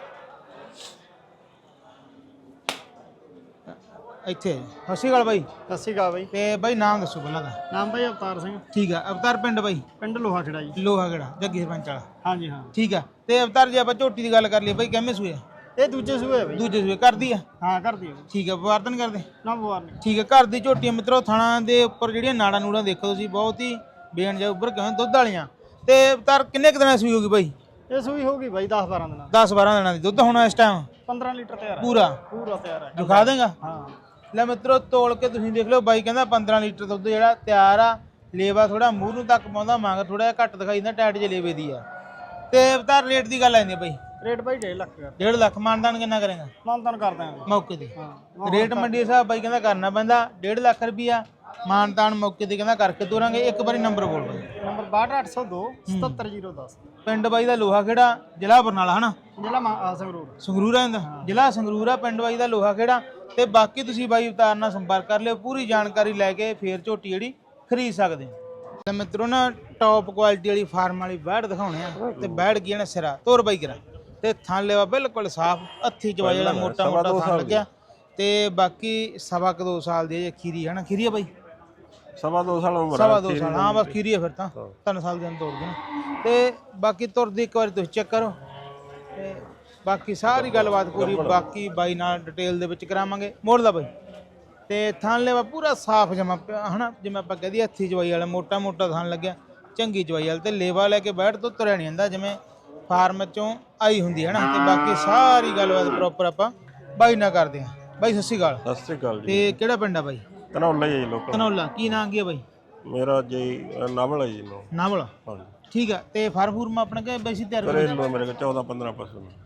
B: ਇੱਥੇ ਸਤਿ ਸ਼੍ਰੀ ਅਕਾਲ ਬਾਈ।
C: ਸਤਿ ਸ਼੍ਰੀ ਅਕਾਲ ਬਾਈ।
B: ਤੇ ਬਾਈ ਨਾਮ ਦੱਸੋ ਪਹਿਲਾਂ ਦਾ।
C: ਨਾਮ ਬਾਈ ਅਵਤਾਰ ਸਿੰਘ,
B: ਠੀਕ ਆ। ਅਵਤਾਰ ਪਿੰਡ ਬਾਈ?
C: ਪਿੰਡ ਲੋਹਾ ਖੇੜਾ ਜੀ।
B: ਲੋਹਾ ਖੇੜਾ, ਜੱਗੀ ਸਰਪੰਚ ਵਾਲਾ।
C: ਹਾਂਜੀ ਹਾਂ
B: ਠੀਕ ਆ। ਤੇ ਅਵਤਾਰ ਜੇ ਆਪਾਂ ਝੋਟੀ ਦੀ ਗੱਲ ਕਰ ਲਈਏ ਬਾਈ, ਕਿੰਨੇ ਸੂਏ ਆ?
C: ਇਹ ਦੂਜੇ ਸੂਏ ਆ ਬਾਈ।
B: ਦੂਜੇ ਸੂਏ ਕਰਦੀ ਆ?
C: ਹਾਂ ਕਰਦੀ ਆ।
B: ਠੀਕ ਆ। ਵਪਾਰ ਤਾਂ ਨਹੀਂ ਕਰਦੇ?
C: ਨਾ ਬਵਾਰ ਨਹੀਂ।
B: ਠੀਕ ਆ। ਘਰ ਦੀ ਝੋਟੀ ਆ ਮਿੱਤਰੋ। ਥਣਾ ਦੇ ਉੱਪਰ ਜਿਹੜੀਆਂ ਨਾੜਾਂ ਨੂੜਾਂ ਦੇਖੋ ਤੁਸੀਂ, ਬਹੁਤ ਹੀ ਬੇਣ ਜਾ ਉੱਪਰ ਕਿਵੇਂ ਦੁੱਧ ਵਾਲੀਆਂ। ਤੇ ਅਵਤਾਰ ਕਿੰਨੇ ਕੁ ਦਿਨਾਂ ਸੂਈ ਹੋਗੀ ਬਾਈ?
C: ਇਹ ਸੂਈ ਹੋਗੀ ਬਾਈ 10-12 ਦਿਨਾਂ।
B: 10-12 ਦਿਨਾਂ ਦੀ ਦੁੱਧ ਹੋਣਾ ਇਸ ਟਾਈਮ?
C: 15 ਲੀਟਰ ਤਿਆਰ ਹੈ
B: ਪੂਰਾ?
C: ਪੂਰਾ ਤਿਆਰ ਹੈ।
B: ਦਿਖਾ ਦੇਗਾ?
C: ਹਾਂ
B: ਲੈ ਮਿੱਤਰੋ ਤੋਲ ਕੇ ਤੁਸੀਂ ਦੇਖ ਲਓ, ਬਾਈ ਕਹਿੰਦਾ 15 ਲੀਟਰ ਦੁੱਧ ਜਿਹੜਾ ਤਿਆਰ ਆ। ਲੇਵਾ ਥੋੜਾ ਮੂੰਹ ਨੂੰ ਤੱਕ ਪਾਉਂਦਾ, ਮੰਗ ਥੋੜਾ ਜਿਹਾ ਘੱਟ ਦਿਖਾਈ ਦਿੰਦਾ, ਟਾਈਟ ਜਿਹੇ ਲੇਵੇ ਦੀ ਆ। ਤੇ ਅਵਤਾਰ ਰੇਟ ਦੀ ਗੱਲ ਆ ਜਾਂਦੀ ਬਾਈ?
C: ਰੇਟ ਬਾਈ 1.5 ਲੱਖ ਕਰ।
B: 1.5 ਲੱਖ। ਮਾਨਦਾਨ ਕਿੰਨਾ ਕਰੇਗਾ?
C: ਮਾਨਦਾਨ ਕਰ ਦਾਂਗੇ
B: ਮੌਕੇ ਤੇ।
C: ਹਾਂ
B: ਰੇਟ ਮੰਡੀ ਦੇ ਹਿਸਾਬ ਬਾਈ ਕਹਿੰਦਾ ਕਰਨਾ ਪੈਂਦਾ। 1.5 ਲੱਖ ਰੁਪਈਆ ਮਾਨਤਾਨ ਮੌਕੇ ਤੇ ਕਹਿੰਦਾ ਕਰਕੇ ਤੋਰਾਂਗੇ। ਇੱਕ ਵਾਰੀ ਨੰਬਰ ਬੋਲ ਬਾਈ।
C: ਨੰਬਰ 62802 77010।
B: ਪਿੰਡ ਬਾਈ ਦਾ ਲੋਹਾ ਖੇੜਾ, ਜ਼ਿਲ੍ਹਾ ਬਰਨਾਲਾ ਹਨਾ?
C: ਜ਼ਿਲ੍ਹਾ ਸੰਗਰੂਰ।
B: ਸੰਗਰੂਰ ਆ ਜਾਂਦਾ, ਜ਼ਿਲ੍ਹਾ ਸੰਗਰੂਰ ਆ। ਪਿੰਡ ਬਾਈ ਦਾ ਲੋਹਾ ਖੇੜਾ। ਤੇ ਬਾਕੀ ਤੁਸੀਂ ਬਾਈ ਅਵਤਾਰ ਨਾਲ ਸੰਪਰਕ ਕਰ ਲਿਓ, ਪੂਰੀ ਜਾਣਕਾਰੀ ਲੈ ਕੇ ਫੇਰ ਝੋਟੀ ਜਿਹੜੀ ਖਰੀਦ ਸਕਦੇ ਹੋ। ਤੇ ਮਿੱਤਰੋ ਨਾ ਟੌਪ ਕੁਆਲਿਟੀ ਵਾਲੀ ਫਾਰਮ ਵਾਲੀ ਬੈੜ ਦਿਖਾਉਣੇ ਆ। ਤੇ ਬੈੜ ਕੀ ਨਾ ਸਿਰਾ ਤੋਰ ਬਾਈ ਕਰਾ। ਤੇ ਥਣ ਲੈਵਾ ਬਿਲਕੁਲ ਸਾਫ, ਹੱਥੀ ਚਵਾਈ ਵਾਲਾ ਮੋਟਾ ਮੋਟਾ ਥਣ ਲੱਗਿਆ। ਤੇ ਬਾਕੀ 2.25 ਸਾਲ ਦੀ ਖੀਰੀ ਹੈ ਨਾ? ਖੀਰੀ ਆ ਬਾਈ?
C: 2.25 ਸਾਲ ਉਮਰ।
B: 2.25 ਸਾਲ, ਹਾਂ ਬਸ ਖੀਰੀ ਆ ਫਿਰ ਤਾਂ। 3 ਸਾਲ ਦੀ ਤੋੜ ਦੇਣਾ। ਤੇ ਬਾਕੀ ਤੁਰਦੀ ਇੱਕ ਵਾਰੀ ਤੁਸੀਂ ਚੈੱਕ ਕਰੋ। ਤੇ ਬਾਕੀ ਸਾਰੀ ਗੱਲਬਾਤ ਪੂਰੀ ਬਾਕੀ ਬਾਈ ਨਾਲ ਡਿਟੇਲ ਦੇ ਵਿੱਚ ਕਰਾਵਾਂਗੇ। ਮੋੜਦਾ ਬਾਈ। ਤੇ ਥਣ ਲੈਵਾ ਪੂਰਾ ਸਾਫ ਜਮਾ ਪਿਆ ਹਨਾ, ਜਿਵੇਂ ਆਪਾਂ ਕਹਦੇ ਹੱਥੀ ਚਵਾਈ ਵਾਲਾ ਮੋਟਾ ਮੋਟਾ ਥਣ ਲੱਗਿਆ, ਚੰਗੀ ਚਵਾਈ ਵਾਲਾ। ਤੇ ਲੇਵਾ ਲੈ ਕੇ ਬੈਠ ਤੋਂ ਤੁਰਿਆ ਨਹੀਂ ਜਾਂਦਾ, ਜਿਵੇਂ ਫਾਰਮ ਚੋਂ ਆਈ ਹੁੰਦੀ ਹੈ ਨਾ। ਤੇ ਬਾਕੀ ਸਾਰੀ ਗੱਲਬਾਤ ਪ੍ਰੋਪਰ ਆਪਾਂ ਬਾਈ ਨਾਲ ਕਰਦੇ ਹਾਂ। ਬਾਈ ਸਤਿ ਸ਼੍ਰੀ ਅਕਾਲ।
C: ਸਤਿ ਸ਼੍ਰੀ ਅਕਾਲ ਜੀ।
B: ਤੇ ਕਿਹੜਾ ਪਿੰਡ ਆ ਬਾਈ?
C: ਧਨੌਲਾ ਜੀ ਲੋਕਲ।
B: ਧਨੌਲਾ। ਕੀ ਨਾਂ ਕੀ ਆ ਬਾਈ?
C: ਮੇਰਾ ਜੀ ਨਾਵਲ ਹੈ ਜੀ।
B: ਨਾਵਲ।
C: ਹਾਂਜੀ
B: ਠੀਕ ਆ। ਤੇ ਫਾਰਮ ਫੂਰਮ ਆਪਣਾ ਕਿ ਬੈਸੀ ਤਿਆਰ
C: ਮੇਰੇ ਕੋਲ 14-15 ਪਸ਼ੂ ਨੇ।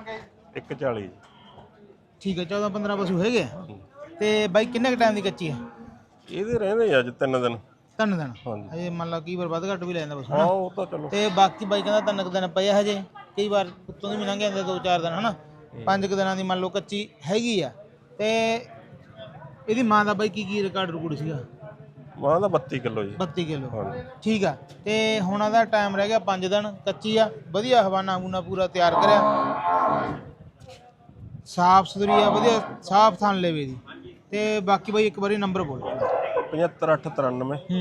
C: 140।
B: ਠੀਕ ਆ। 14-15 ਪਸ਼ੂ ਹੈਗੇ ਆ। ਤੇ ਬਾਈ ਕਿੰਨੇ ਕ ਟਾਈਮ ਦੀ ਕੱਚੀ ਆ?
C: ਇਹਦੇ ਰਹਿੰਦੇ ਅੱਜ 3 ਦਿਨ।
B: 3 ਦਿਨ?
C: ਹਾਂਜੀ।
B: ਹਜੇ ਮੰਨ ਲਾ ਕਈ ਵਾਰ ਵੱਧ ਘੱਟ ਵੀ ਲੈ ਜਾਂਦਾ ਪਸ਼ੂ
C: ਹਾਂ
B: ਹਨਾ?
C: ਉਹ ਤਾਂ ਚਲੋ।
B: ਤੇ ਬਾਕੀ ਬਾਈ ਕਹਿੰਦਾ 3 ਕੁ ਦਿਨ ਪਏ ਆ ਹਜੇ, ਕਈ ਵਾਰ ਉੱਤੋਂ ਦੀ ਵੀ ਲੰਘ ਜਾਂਦੇ 2-4 ਦਿਨ ਹਨਾ। 5 ਕੁ ਦਿਨਾਂ ਦੀ ਮੰਨ ਲਓ ਕੱਚੀ ਹੈਗੀ ਆ। ਤੇ ਇਹਦੀ ਮਾਂ ਦਾ ਬਾਈ ਕੀ ਰਿਕਾਰਡ ਰੁਕੜ ਸੀਗਾ?
C: ਮਾਂ ਦਾ 32 ਕਿਲੋ ਜੀ।
B: 32 ਕਿਲੋ।
C: ਹਾਂਜੀ।
B: ਠੀਕ ਆ। ਤੇ ਹੁਣ ਉਹਦਾ ਟਾਈਮ ਰਹਿ ਗਿਆ 5 ਦਿਨ। ਕੱਚੀ ਆ, ਵਧੀਆ ਹਵਾਨਾ ਹੂਨਾ ਪੂਰਾ ਤਿਆਰ ਕਰਿਆ, ਸਾਫ ਸੁਥਰੀ ਆ, ਵਧੀਆ ਸਾਫ ਥਣ ਲੈਵੇ ਦੀ। ਤੇ ਬਾਕੀ ਬਾਈ ਇੱਕ ਵਾਰੀ ਨੰਬਰ ਬੋਲ।
C: 7593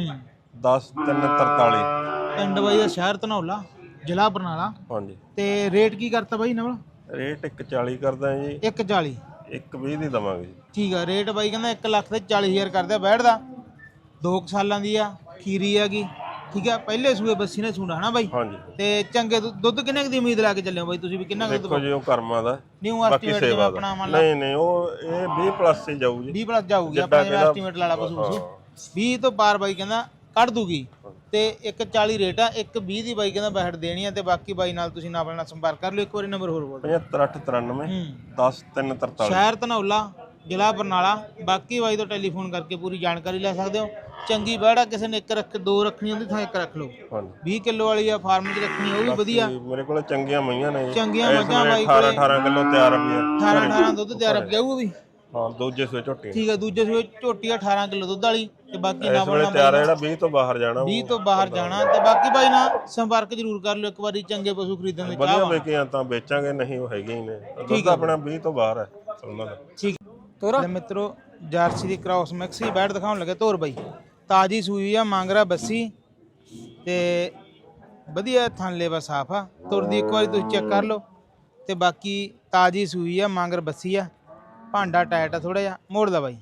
B: 10-343। ਪਿੰਡ ਬਾਈ ਦਾ ਸ਼ਹਿਰ ਧਨੌਲਾ, ਜ਼ਿਲ੍ਹਾ ਬਰਨਾਲਾ।
C: ਹਾਂਜੀ।
B: ਤੇ ਰੇਟ ਕੀ ਕਰਤਾ ਬਾਈ ਨਾਲ?
C: ਰੇਟ 140 ਕਰਦਾ ਜੀ।
B: 140?
C: 120 ਦੀ ਦਵਾਂਗੇ ਜੀ।
B: ਠੀਕ ਆ। ਰੇਟ ਬਾਈ ਕਹਿੰਦਾ 1,40,000 ਕਰਦਾ ਬੈਠਦਾ। 2 ਸਾਲਾਂ ਦੀ ਆ, ਖੀਰੀ ਹੈਗੀ। ਠੀਕ ਆ। ਪਹਿਲੇ ਸੂਏ ਬੱਸੀ ਨੇ ਸੂਣਾ ਹਨਾ ਬਾਈ?
C: ਹਾਂਜੀ।
B: ਤੇ ਚੰਗੇ ਦੁੱਧ ਕਿੰਨੇ ਦੀ ਉਮੀਦ ਲਾ ਕੇ ਚੱਲਿਓ ਬਾਈ ਤੁਸੀਂ ਵੀ? ਕਿੰਨਾ ਦੁੱਧ?
C: ਦੇਖੋ ਜੀ ਉਹ ਕਰਮਾਂ ਦਾ।
B: ਨਿਊ ਐਸਟੀਮੇਟ ਜਿਵੇਂ ਆਪਣਾ ਮੰਨ ਲਾ।
C: ਨਹੀਂ ਉਹ ਇਹ 20 ਪਲੱਸ ਹੀ ਜਾਊ ਜੀ।
B: 20 ਪਲੱਸ ਜਾਊਗੀ ਆਪਣਾ ਜਿਵੇਂ ਐਸਟੀਮੇਟ ਲਾ ਲਾ ਪਸ਼ੂ। 20 ਤੋਂ ਪਾਰ ਬਾਈ ਕਹਿੰਦਾ ਕੱਢ ਦੂਗੀ। ਤੇ 140 ਰੇਟ ਆ। 120 ਦੀ ਬਾਈ ਕਹਿੰਦਾ ਬੈਠ ਦੇਣੀ ਆ। ਤੇ ਬਾਕੀ ਬਾਈ ਨਾਲ ਤੁਸੀਂ ਨਾਲ ਨਾਲ ਸੰਪਰਕ ਕਰ ਲਿਓ। ਇੱਕ ਵਾਰੀ ਨੰਬਰ ਹੋਰ ਬੋਲ।
C: 7593 10-343।
B: ਸ਼ਹਿਰ ਧਨੌਲਾ, ਜ਼ਿਲ੍ਹਾ ਬਰਨਾਲਾ। ਬਾਕੀ ਬਾਈ ਤੋਂ ਟੈਲੀਫੋਨ ਕਰਕੇ ਪੂਰੀ ਜਾਣਕਾਰੀ ਲੈ ਸਕਦੇ ਹੋ। ਚੰਗੀ ਬੈੜਾ ਕਿਸੇ ਨੇ 1 ਰੱਖ 2 ਰੱਖਣੀ ਹੁੰਦੀ ਤਾਂ 1 ਰੱਖ ਲਓ। 20 ਕਿਲੋ ਵਾਲੀ ਆ ਫਾਰਮ 'ਚ ਰੱਖਣੀ, ਉਹ ਵੀ ਵਧੀਆ।
C: ਮੇਰੇ ਕੋਲ ਚੰਗੀਆਂ ਮਈਆਂ ਨੇ।
B: ਚੰਗੀਆਂ ਮੱਝਾਂ ਬਾਈ ਕੋਲੇ।
C: 18 ਕਿਲੋ ਤਿਆਰ ਵੀ ਆ।
B: 18 ਦੁੱਧ ਤਿਆਰ ਹੋ ਜਾਊਗਾ ਵੀ।
C: ਹਾਂ ਦੂਜੇ ਸੂਏ ਝੋਟੀ।
B: ਠੀਕ ਆ। ਦੂਜੇ ਸੂਏ ਝੋਟੀ 18 ਕਿਲੋ ਦੁੱਧ ਵਾਲੀ। ਤੇ ਬਾਕੀ ਨਾ
C: ਬਣਾ ਤਿਆਰ ਹੈ ਜਿਹੜਾ 20 ਤੋਂ ਬਾਹਰ ਜਾਣਾ।
B: 20 ਤੋਂ ਬਾਹਰ ਜਾਣਾ। ਤੇ ਬਾਕੀ ਬਾਈ ਨਾਲ ਸੰਪਰਕ ਜ਼ਰੂਰ ਕਰ ਲਿਓ ਇੱਕ ਵਾਰੀ। ਚੰਗੇ ਪਸ਼ੂ ਖਰੀਦਣ ਦੇ ਚਾਹ
C: ਵਧੀਆ ਵੇਚੀਆਂ ਤਾਂ ਵੇਚਾਂਗੇ, ਨਹੀਂ ਉਹ ਹੈਗੇ ਹੀ ਨੇ। ਦੁੱਧ ਆਪਣਾ 20 ਤੋਂ ਬਾਹਰ ਹੈ ਉਹਨਾਂ ਦਾ। ਠੀਕ। ਲੈ ਮਿੱਤਰੋ ਜਰਸੀ ਦੀ ਕ੍ਰਾਸ ਮਿਕਸੀ ਬੈਠ ਦਿਖਾਉਣ ਲੱਗੇ ਤੋਰ ਬਾਈ। ਤਾਜੀ ਸੂਈ ਆ, ਮਾਂਗਰਾ ਬੱਸੀ। ਤੇ ਵਧੀਆ ਥਣ ਲੇਵਾ ਸਾਫ ਆ। ਤੁਰਦੀ ਇੱਕ ਵਾਰੀ ਤੁਸੀਂ ਚੈੱਕ ਕਰ ਲਓ। ਤੇ ਬਾਕੀ ਤਾਜੀ ਸੂਈ ਆ, ਮਾਂਗਰ ਬੱਸੀ ਆ। ਭਾਂਡਾ ਟਾਈਟ ਆ ਥੋੜਾ ਜਿਹਾ। ਮੋੜਦਾ ਬਾਈ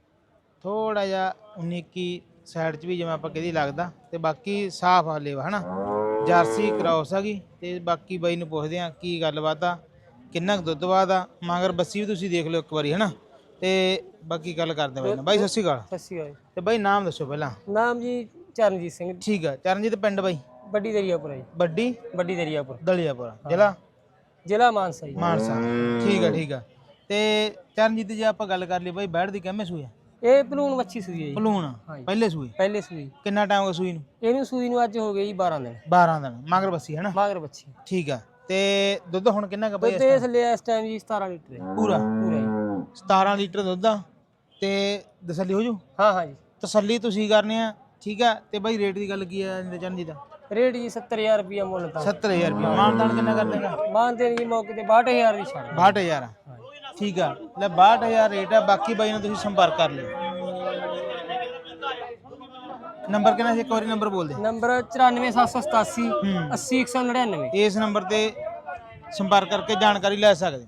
C: ਥੋੜਾ ਜਿਹਾ 19 ਸਾਈਡ 'ਚ ਵੀ ਜਿਵੇਂ ਆਪਾਂ ਕਿਹਦੀ ਲੱਗਦਾ। ਤੇ ਬਾਕੀ ਸਾਫ ਆ ਲੇਵਾ ਹਨਾ। ਜਰਸੀ ਕ੍ਰਾਸ ਆ ਗਈ। ਤੇ ਬਾਕੀ ਬਾਈ ਨੂੰ ਪੁੱਛਦੇ ਆ ਕੀ ਗੱਲਬਾਤ ਆ, ਕਿੰਨਾ ਕੁ ਦੁੱਧ ਬਾਅਦ ਆ। ਮਾਂਗਰ ਬੱਸੀ ਵੀ ਤੁਸੀਂ ਦੇਖ ਲਿਓ ਇੱਕ ਵਾਰੀ ਹਨਾ। ਤੇ ਬਾਕੀ ਗੱਲ ਕਰਦੇ ਬਾਈ ਨਾਲ। ਬਾਈ ਸਤਿ ਸ਼੍ਰੀ ਅਕਾਲ।
F: ਸਤਿ ਸ਼੍ਰੀ ਅਕਾਲ।
B: ਤੇ ਬਾਈ ਨਾਮ ਦੱਸੋ ਪਹਿਲਾਂ।
F: ਨਾਮ ਜੀ ਚਰਨਜੀਤ ਸਿੰਘ।
B: ਠੀਕ ਆ। ਚਰਨਜੀਤ ਪਿੰਡ ਬਾਈ?
F: ਵੱਡੀ ਦਰਿਆਪੁਰ ਜੀ।
B: ਵੱਡੀ
F: ਦਰਿਆਪੁਰ,
B: ਦਲਿਆਪੁਰ। ਜ਼ਿਲ੍ਹਾ
F: ਮਾਨਸਾ ਜੀ।
B: ਮਾਨਸਾ। ਠੀਕ ਆ। ਠੀਕ ਆ। ਤੇ ਚਰਨਜੀਤ ਜੇ ਆਪਾਂ ਗੱਲ ਕਰ ਲਈ ਬਾਈ ਬੈੜ ਦੀ ਕਿੰਨੇ ਸੂਈ ਆ?
F: ਇਹ ਪਲੂਣ ਮੱਛੀ ਸੂਈ ਹੈ ਜੀ।
B: ਪਲੂਣ ਪਹਿਲੇ ਸੂਈ?
F: ਪਹਿਲੇ ਸੂਈ।
B: ਕਿੰਨਾ ਟਾਈਮ ਹੋ ਗਿਆ ਸੂਈ ਨੂੰ?
F: ਇਹਨੂੰ ਸੂਈ ਨੂੰ ਅੱਜ ਹੋ ਗਏ ਜੀ 12 ਦਿਨ।
B: 12 ਦਿਨ। ਮਗਰ ਬੱਸੀ ਹੈ ਨਾ?
F: ਮਗਰ ਬੱਚੀ।
B: ਠੀਕ ਆ। ਤੇ ਦੁੱਧ ਹੁਣ ਕਿੰਨਾ ਕੁ
F: ਦੁੱਧ ਇਸ ਲਿਆ ਇਸ ਟਾਈਮ ਜੀ 17 ਲੀਟਰ ਹੈ।
B: ਪੂਰਾ
F: ਜੀ
B: 17 ਲੀਟਰ ਦੁੱਧ ਆ। ਤੇ ਤਸੱਲੀ ਹੋ ਜੂ?
F: ਹਾਂ ਜੀ।
B: ਤਸੱਲੀ ਤੁਸੀਂ ਕਰਨੀ ਆ ਠੀਕ ਆ। ਤੇ ਬਾਈ ਰੇਟ ਦੀ ਗੱਲ ਕੀ ਹੈ ਚਰਨਜੀਤ ਦਾ?
F: रेट जी 70,000 रुपया मुल था
B: 70000 ਰੁਪਏ। ਮਾਨਦਾਨ ਕਿੰਨਾ ਕਰ ਦੇਗਾ?
F: मानते जी मौके ते 62,000 ਦੀ ਛੱਡ
B: 62000 ਠੀਕ ਆ। ਲੈ 62000 ਰੇਟ ਆ। ਬਾਕੀ ਬਾਈ ਨਾਲ ਤੁਸੀਂ ਸੰਪਰਕ ਕਰ ਲਿਓ। ਨੰਬਰ ਕਿੰਨਾ ਸੀ? ਇੱਕ ਵਾਰੀ ਨੰਬਰ ਬੋਲ ਦੇ।
F: ਨੰਬਰ 94787 80199।
B: ਇਸ ਨੰਬਰ ਤੇ ਸੰਪਰਕ ਕਰਕੇ ਜਾਣਕਾਰੀ ਲੈ ਸਕਦੇ।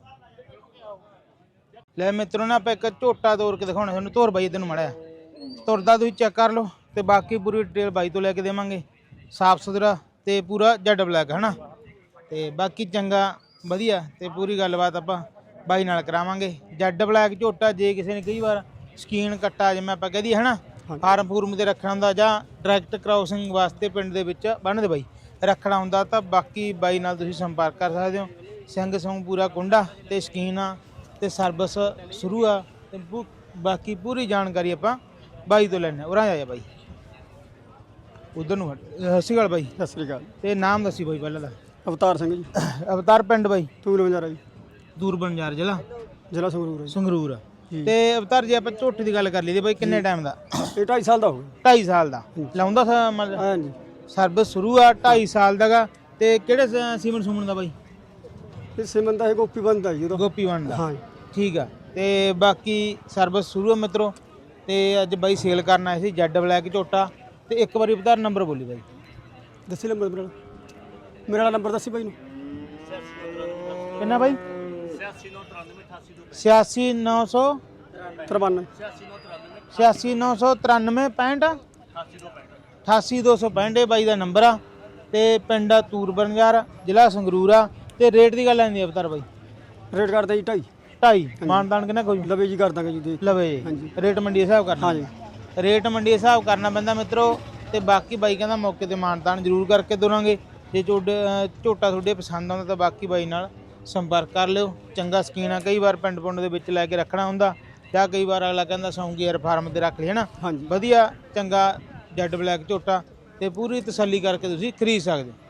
B: ਲੈ ਮਿੱਤਰੋ ਨਾ ਆਪਾਂ ਇੱਕ ਝੋਟਾ ਤੋੜ ਕੇ ਦਿਖਾਉਣਾ ਤੁਹਾਨੂੰ। ਧੁਰ ਬਾਈ ਤੈਨੂੰ ਮੜਿਆ ਤੁਰਦਾ ਤੁਸੀਂ ਚੈੱਕ ਕਰ ਲਓ ਤੇ ਬਾਕੀ ਪੂਰੀ ਡਿਟੇਲ ਬਾਈ ਤੋਂ ਲੈ ਕੇ ਦੇਵਾਂਗੇ। ਸਾਫ ਸੁਥਰਾ ਤੇ ਪੂਰਾ ਜੈਡ ਬਲੈਕ ਹਨਾ। ਤੇ ਬਾਕੀ ਚੰਗਾ ਵਧੀਆ ਤੇ ਪੂਰੀ ਗੱਲਬਾਤ ਆਪਾਂ ਬਾਈ ਨਾਲ ਕਰਾਵਾਂਗੇ। ਜੈਡ ਬਲੈਕ ਝੋਟਾ ਜੇ ਕਿਸੇ ਨੇ ਕਈ ਵਾਰ ਸਕੀਨ ਕੱਟਾ ਜਿਵੇਂ ਆਪਾਂ ਕਹਦੀ ਹਨਾ ਫਾਰਮ ਫੂਰਮ ਤੇ ਰੱਖਣਾ ਹੁੰਦਾ ਜਾਂ ਡਾਇਰੈਕਟ ਕ੍ਰਾਸਿੰਗ ਵਾਸਤੇ ਪਿੰਡ ਦੇ ਵਿੱਚ ਬੰਨ੍ਹਦੇ ਬਾਈ ਰੱਖਣਾ ਹੁੰਦਾ ਤਾਂ ਬਾਕੀ ਬਾਈ ਨਾਲ ਤੁਸੀਂ ਸੰਪਰਕ ਕਰ ਸਕਦੇ ਹੋ। ਸਿੰਘ ਸੰਗ ਪੂਰਾ ਕੁੰਡਾ ਤੇ ਸਕੀਨ ਆ ਤੇ ਸਰਵਿਸ ਸ਼ੁਰੂ ਆ ਤੇ ਬਾਕੀ ਪੂਰੀ ਜਾਣਕਾਰੀ ਆਪਾਂ ਬਾਈ ਤੋਂ ਲੈਣੇ। ਉਰਾਂ ਆ ਜਾ ਬਾਈ ਉਧਰ ਨੂੰ ਸਤਿ ਸ਼੍ਰੀ ਅਕਾਲ ਬਾਈ।
C: ਸਤਿ ਸ੍ਰੀ ਅਕਾਲ।
B: ਤੇ ਨਾਮ ਦੱਸੀ ਬਾਈ ਪਹਿਲਾਂ ਦਾ?
C: ਅਵਤਾਰ ਸਿੰਘ ਜੀ,
B: ਅਵਤਾਰ ਪਿੰਡ ਬਾਈ?
C: ਤੂਲ ਬੰਜਾਰਾ ਜੀ,
B: ਦੂਰ ਬੰਜਾਰ ਜ਼ਿਲ੍ਹਾ
C: ਸੰਗਰੂਰ ਜੀ।
B: ਸੰਗਰੂਰ। ਤੇ ਅਵਤਾਰ ਜੇ ਆਪਾਂ ਝੋਟੇ ਦੀ ਗੱਲ ਕਰ ਲਈਏ ਬਾਈ ਕਿੰਨੇ ਟਾਈਮ ਦਾ?
C: ਇਹ 2.5 ਸਾਲ ਦਾ ਹੋ ਗਿਆ।
B: 2.5 ਸਾਲ ਦਾ ਲਾਉਂਦਾ ਮਤਲਬ
C: ਹਾਂਜੀ,
B: ਸਰਵਿਸ ਸ਼ੁਰੂ ਆ 2.5 ਸਾਲ ਦਾਗਾ। ਤੇ ਕਿਹੜੇ ਸੀਮਨ ਸੂਮਨ ਦਾ ਬਾਈ?
C: ਇਹ ਸਿਮਨ ਦਾ ਇਹ ਗੋਪੀ ਬੰਦਾ ਜੀ ਉਹਦਾ।
B: ਗੋਪੀ ਵੰਡ ਦਾ
C: ਹਾਂ
B: ਠੀਕ ਆ। ਤੇ ਬਾਕੀ ਸਰਵਿਸ ਸ਼ੁਰੂ ਆ ਮਿੱਤਰੋ। ਤੇ ਅੱਜ ਬਾਈ ਸੇਲ ਕਰਨ ਆਏ ਸੀ ਜੈਡ ਬਲੈਕ ਝੋਟਾ। ਤੇ ਇੱਕ ਵਾਰੀ ਅਵਤਾਰ ਨੰਬਰ ਬੋਲੀ ਬਾਈ।
C: ਦੱਸੀ ਨੰਬਰ ਮੇਰਾ ਨੰਬਰ ਦੱਸੀ ਬਾਈ ਨੂੰ।
B: ਕਿੰਨਾ ਬਾਈ? 86993 86993 88265 ਬਾਈ ਦਾ ਨੰਬਰ ਆ। ਤੇ ਪਿੰਡ ਆ ਤੂਰ ਬੰਜਾਰ ਜ਼ਿਲ੍ਹਾ ਸੰਗਰੂਰ ਆ। ਤੇ ਰੇਟ ਦੀ ਗੱਲ ਆਂਦੀ ਅਵਤਾਰ ਬਾਈ?
C: ਰੇਟ ਕਰਦੇ ਜੀ 2.5
B: 2.5 ਮਾਨਦਾਨ ਕਿੰਨਾ ਕੋਈ
C: ਲਵੇ ਜੀ ਕਰ ਦਾਂਗੇ ਜੀ।
B: ਲਵੇ
C: ਹਾਂਜੀ।
B: ਰੇਟ ਮੰਡੀ ਦੇ ਹਿਸਾਬ ਕਰਨਾ?
C: ਹਾਂਜੀ,
B: ਰੇਟ ਮੰਡੀ ਦੇ ਹਿਸਾਬ ਕਰਨਾ ਪੈਂਦਾ ਮਿੱਤਰੋ। ਤੇ ਬਾਕੀ ਬਾਈ ਕਹਿੰਦਾ ਮੌਕੇ ਤੇ ਮਾਨਦਾਨ ਜ਼ਰੂਰ ਕਰਕੇ ਦੋਰਾਂਗੇ। ਜੇ ਝੋਟਾ ਤੁਹਾਡੇ ਪਸੰਦ ਆਉਂਦਾ ਤਾਂ ਬਾਕੀ ਬਾਈ ਨਾਲ ਸੰਪਰਕ ਕਰ ਲਿਓ। ਚੰਗਾ ਸਕੀਨ ਆ। ਕਈ ਵਾਰ ਪਿੰਡ ਪੁੰਡ ਦੇ ਵਿੱਚ ਲੈ ਕੇ ਰੱਖਣਾ ਹੁੰਦਾ ਜਾਂ ਕਈ ਵਾਰ ਅਗਲਾ ਕਹਿੰਦਾ ਸੌਂਗੀ ਯਾਰ ਫਾਰਮ ਤੇ ਰੱਖ ਲਈ ਹਨਾ।
C: ਹਾਂਜੀ।
B: ਵਧੀਆ ਚੰਗਾ ਜੈਡ ਬਲੈਕ ਝੋਟਾ ਤੇ ਪੂਰੀ ਤਸੱਲੀ ਕਰਕੇ ਤੁਸੀਂ ਖਰੀਦ ਸਕਦੇ ਹੋ।